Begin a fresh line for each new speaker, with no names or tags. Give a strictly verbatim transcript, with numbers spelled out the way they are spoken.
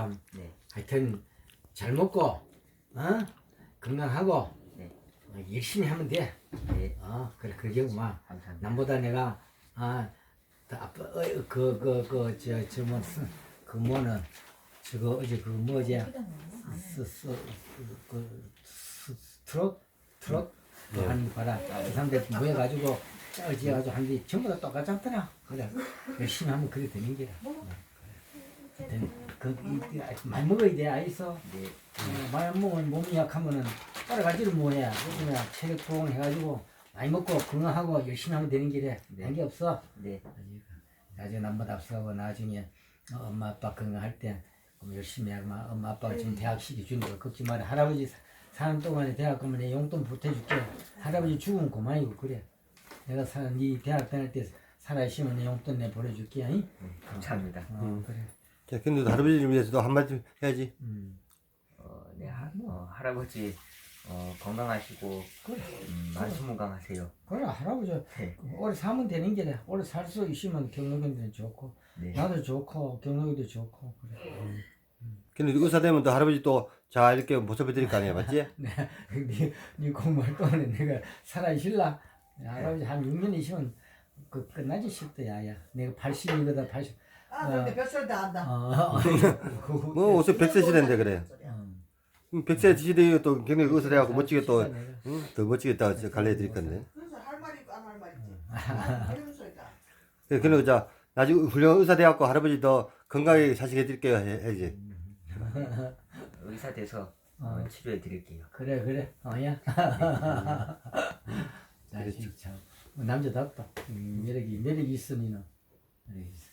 참.
네.
하여튼 잘 먹고 어? 건강하고
네.
어, 열심히 하면 돼.
네.
어 그래 그게구만.
감사합니다.
남보다 내가 아 아빠 그그그저저 뭐 그 뭐는 저거 어제 그 뭐지 스스 그 트럭 트럭
네.
한 봐라 이 사람들 모여가지고 짜지해가지고 한뒤 전부 다 똑같잖더라. 그래 열심히 하면 그래 되는 게야. 그 이- 이- 많이 먹어야 돼 아이서.
네.
어, 많이 안 먹으면 몸이 약하면은 여러 가지를 뭐해. 요즘에 체력 보강 해가지고 많이 먹고 건강하고 열심히 하면 되는 길에
네.
한 게 없어.
네.
나중에 남보다 앞서고 나중에 어, 엄마 아빠 건강할 때 그럼 열심히 하고 막 엄마 아빠가 지금 대학 시기 주는 거 걱정 마라. 할아버지 사- 사는 동안에 대학 가면 내 용돈 보태줄게. 할아버지 죽으면 그만이고 그래. 내가 사, 네 대학 다닐 때 살아있으면 내 용돈 내 보내줄게. 응?
네. 감사합니다.
어,
음.
그래.
자, 근데 할아버지를 위해서도 한마디 해야지.
음.
어, 네. 하, 어, 할아버지 어, 건강하시고
그래.
음, 만수무강하세요.
그래 할아버지
네.
오래 사면 되는 게래. 오래 살 수 있으면 경력인들은 좋고
네.
나도 좋고 경력이도 좋고 그래.
근데 의사 되면 또 할아버지 또 자 이렇게 모셔봐 드릴 거 아니야, 맞지?
네, 네, 네 공부할 동안에 내가 살아있을라. 할아버지 한 육 년 있으면 그 끝나지 싶다 야야. 내가 팔십이거든 팔십.
아, 근데 뱃소리 다 한다.
어,
뭐 어서 백 세 시대인데 그래.
음.
백 세 시대에 또 경력 의사 돼갖고 멋지게 또
내가.
응? 더 멋지게 또 갈래 드릴 건데.
그래서 할 말이 있고 안 할 말이 있지. 이런 소리다.
그래, 그래, 자 나중에 훌륭한 의사 돼갖고 할아버지 더 건강하게 사시게 드릴게요, 해- 해야지.
의사 돼서 어, 치료해 드릴게요.
그래 그래 어야. 자식 참 남자답다. 음, 매력이 매력이 있으니는 매력이 있어.